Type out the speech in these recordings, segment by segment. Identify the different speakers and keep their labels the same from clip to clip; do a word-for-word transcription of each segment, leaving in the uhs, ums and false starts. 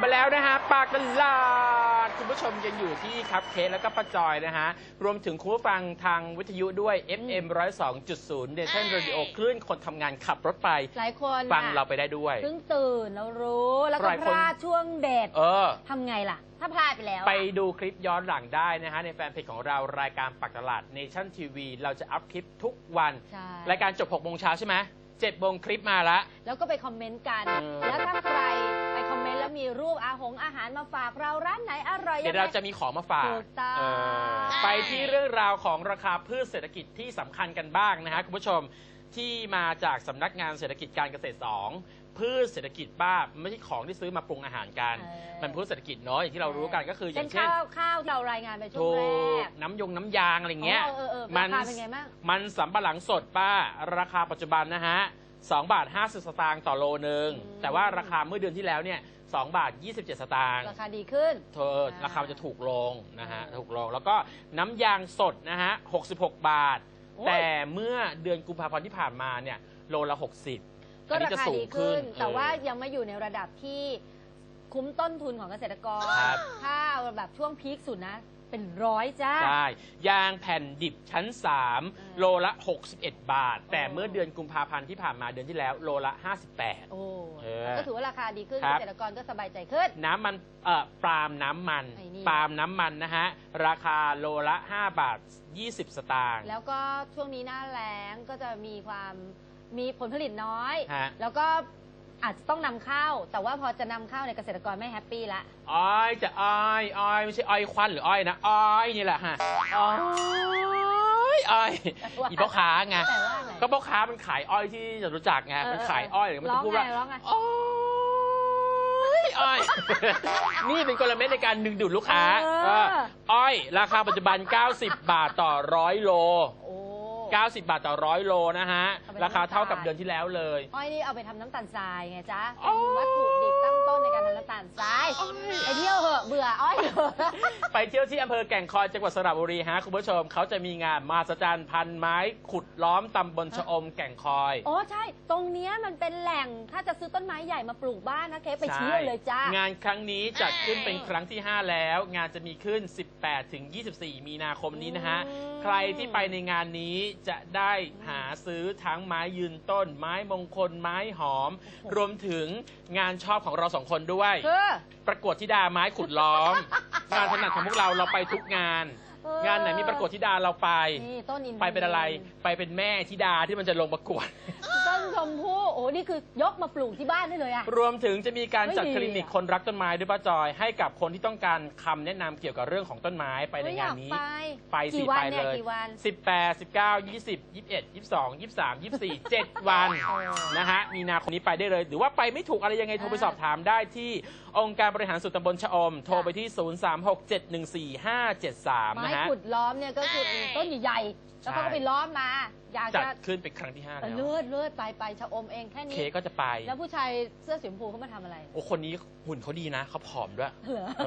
Speaker 1: มาแล้วนะฮะปากตลาดคุณผู้ชมยังอยู่ที่คัพเค้กแล้วก็ป้าจอยนะฮะรวมถึงคุณผู้ฟังทางวิทยุด้วย เอฟ เอ็ม หนึ่งศูนย์สองจุดศูนย์ Nation Radio คลื่นคนทำงานขับรถไป
Speaker 2: หลายคน
Speaker 1: ฟังเราไปได้ด้วย
Speaker 2: เพิ่งตื่นแล้วรู้แล้วก็พลาดช่วงเด็ด
Speaker 1: เออ
Speaker 2: ทำไงล่ะถ้าพลาดไปแล้ว
Speaker 1: ไปดูคลิปย้อนหลังได้นะฮะในแฟนเพจของเรารายการปักตลาด Nation ที วี เราจะอัพคลิปทุกวันรายการจบหกโมงเช้าใช่ไหมเจ็ดโมงคลิปมาละ
Speaker 2: แล้วก็ไปคอมเมนต์กันแล้วถ้าใครไปคอมเมนต์แล้วมีรูปอาหงอาหารมาฝากเราร้านไหนอร่อย
Speaker 1: เดี๋ยวเราจะมีของมาฝากไปที่เรื่องราวของราคาพืชเศรษฐกิจที่สำคัญกันบ้างนะฮะคุณผู้ชมที่มาจากสำนักงานเศรษฐกิจการเกษตรสองพืชเศรษฐกิจบ้าไม่ใช่ของที่ซื้อมาปรุงอาหารกันมันพืชเศรษฐกิจเนาะอย่างที่เรารู้กันก็คืออย่างเช่น
Speaker 2: ข้าวข้าวเรารายงานไปช่วงแรก
Speaker 1: น้ำยงน้ำยางอะไรเงี้ย
Speaker 2: มันเป็นไงบ้าง
Speaker 1: มันสำปะหลังสดป้าราคาปัจจุบันนะฮะสองบาทห้าสิบสตางค์ต่อโลนึงแต่ว่าราคาเมื่อเดือนที่แล้วเนี่ยสองบาทยี่สิบเจ็ดสตางค์
Speaker 2: ราคาดีขึ้น
Speaker 1: เธอราคาจะถูกลงนะฮะถูกลงแล้วก็น้ำยางสดนะฮะหกสิบหกบาทแต่เมื่อเดือนกุมภาพันธ์ที่ผ่านมาเนี่ยโลละหกสิบ
Speaker 2: ก็ราคาดีขึ้นแต่ว่ายังไม่อยู่ในระดับที่คุ้มต้นทุนของเกษตรกรถ้าแบบช่วงพีคสุดนะเป็นร้อยจ้า
Speaker 1: ใช่ยางแผ่นดิบชั้นสามโลละหกสิบเอ็ดบาทแต่เมื่อเดือนกุมภาพันธ์ที่ผ่านมาเดือนที่แล้วโลละห้าสิบแปด
Speaker 2: โอ้ก็ถือว่าราคาดีขึ้นเกษตรกรก็สบายใจขึ้น
Speaker 1: น้ำมันเอ่อปาล์มน้ำมันปาล์มน้ำมันนะฮะราคาโลละห้าบาทยี่สิบสตางค์
Speaker 2: แล้วก็ช่วงนี้หน้าแล้งก็จะมีความมีผลผลิตน้อยแล้วก็อาจจะต้องนำเข้าแต่ว่าพอจะนำเข้าในเกษตรกรไม่แฮปปี้ละ
Speaker 1: อ้อยจะอ้อยอ้อยไม่ใช่อ้อยควันหรืออ้อยนะอ้อยนี่แหละฮะอ้อยอ้อยอีพ่อค้าไงก็พ่อค้ามันขายอ้อยที่จะรู้จักไงมันขายอ้อยหรือมันจะพูดว่าอ้อยอ้อยนี่เป็นกลเม็ดในการดึงดูดลูกค้าอ้อยราคาปัจจุบันเก้าสิบบาทต่อร้อยโลเก้าสิบบาทต่อร้อยโลนะฮะราคาเท่ากับเดือนที่แล้วเลย
Speaker 2: อ้อยนี่เอาไปทำน้ำตาลทรายไงจ๊ะเป็นวัตถุดิบตั้งต้นในการทำน้ำตาลทรายไปเที่ยวเหอะเบื่ออ้อย
Speaker 1: ไปเที่ยวที่อำเภอแก่งคอยจังหวัดสระบุรีฮะคุณผู้ชมเขาจะมีงานมหัศจรรย์พันไม้ขุดล้อมตำบลชะอมแก่งคอย
Speaker 2: อ๋อใช่ตรงนี้มันเป็นแหล่งถ้าจะซื้อต้นไม้ใหญ่มาปลูกบ้านนะเคไปเที่ยวเลยจ้าง
Speaker 1: านครั้งนี้จัดขึ้นเป็นครั้งที่ห้าแล้วงานจะมีขึ้นสิบแปดถึงยี่สิบสี่มีนาคมนี้นะฮะใครที่ไปในงานนี้จะได้หาซื้อทั้งไม้ยืนต้นไม้มงคลไม้หอมรวมถึงงานชอบของเราสองคนด้วยประกวดธิดาไม้ขุดล้อมงานถนัดของพวกเราเราไปทุกงานงานไหนมีประกวดธิดาเราไปไปเป็นอะไรไปเป็นแม่ธิดาที่มันจะลงประกวด
Speaker 2: ต้นชมพู่โอ้นี่คือยกมาปลูกที่บ้านได้เลยอะ
Speaker 1: รวมถึงจะมีการจัดคลินิกคนรักต้นไม้ด้วยป้าจอยให้กับคนที่ต้องการคำแนะนำเกี่ยวกับเรื่องของต้นไม้ไปในงานนี้ไปสิไปเลยสิบแปด สิบเก้า ยี่สิบ ยี่สิบเอ็ด ยี่สิบสอง ยี่สิบสาม ยี่สิบสี่ เจ็ดวันนะฮะมีนาคมนี้ไปได้เลยหรือว่าไปไม่ถูกอะไรยังไงโทรไปสอบถามได้ที่องค์การบริหารส่วนตำบลชะอมโทรไปที่ศูนย์ สาม หก เจ็ด หนึ่ง สี่ ห้า เจ็ด สามนะฮะ
Speaker 2: ไม้ขุดล้อมเนี่ยก็คือต้นใหญ่ๆแล้วเขาก็ไปล้อมมา
Speaker 1: อยากจะขึ้นเป็นครั้งที่ห้าแล้ว
Speaker 2: เลือดเลือดไปไปชะอมเองแค่นี้
Speaker 1: เคก็จะไป
Speaker 2: แล้วผู้ชายเสื้อสีชมพูเขามาทำอะไร
Speaker 1: โอ้คนนี้หุ่นเขาดีนะเขาผอมด้วย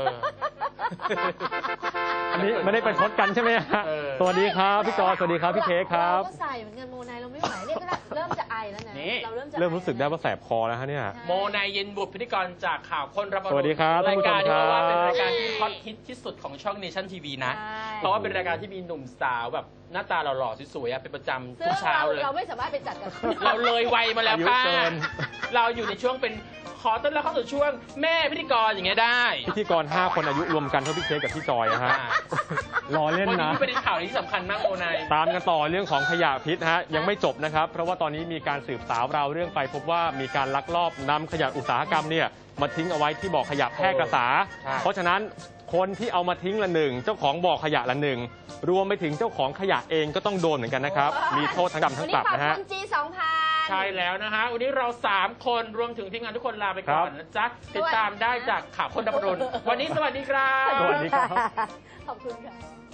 Speaker 3: อันนี้ไม่ได้ไปพดกันใช่ไหมสวัสดีครับพี่จอสวัสดีครับพี่เคครับ
Speaker 2: เราก็ใส่เหมือนกันโมไนเราไม่ไหวเรียกก็เริ่มจะไอแล้วนะเราเริ่ม
Speaker 3: เริ่มรู้สึกได้ว่าแสบคอแล้วฮะเนี่ย
Speaker 1: โมไนเย็นบุตรพิธีกรจากข่าวคนรับ
Speaker 3: สวัสดีครับ
Speaker 1: รายการที่ว่าเป็นรายการที่ฮอตฮิตที่สุดของช่อง Nation ที วี นะเพราะว่าเป็นรายการที่มีหนุ่มสาวแบบหน้าตาหล่อๆสวยๆเป็นประจำทุกเช้าเลย
Speaker 2: เราไม่สามารถไปจัดกัน
Speaker 1: เราเลยวัยมาแล้วป้าเราอยู่ในช่วงเป็นขอต้อนรับเข้าสู่ช่วงแม่พิธีกรอย่างเงี้ยได้
Speaker 3: พิธีกรห้าคนอายุรวมกันเท่าพี่เค้กกับพี่จอยนะฮะรอเล่นนะ
Speaker 1: วันนี้เป็นข่าวที่สำคัญมากโมไน
Speaker 3: ตามกันต่อเรื่องของขยะพิษฮะยังไม่จบนะครับเพราะว่าตอนนี้มีการสืบสาวราวเรื่องไปพบว่ามีการลักลอบนำขยะอุตสาหกรรมเนี่ยมาทิ้งเอาไว้ที่บ่อขยะแพร่กษาเพราะฉะนั้นคนที่เอามาทิ้งละหนึ่งเจ้าของบ่อขยะละหนึ่งรวมไปถึงเจ้าของขยะเองก็ต้องโดนเหมือนกันนะครับมีโทษทั้งจำทั้งปรับนะฮะ
Speaker 2: จีสองพัน
Speaker 1: ใช่แล้วนะฮะวันนี้เราสามคนรวมถึงทีมงานทุกคนลาไปก่อนนะจ๊ะติดตามได้จากข่าวคนดับรุนวันนี้สวัสดีครับ
Speaker 3: สวัสดีครับ
Speaker 2: ขอบคุณค่ะ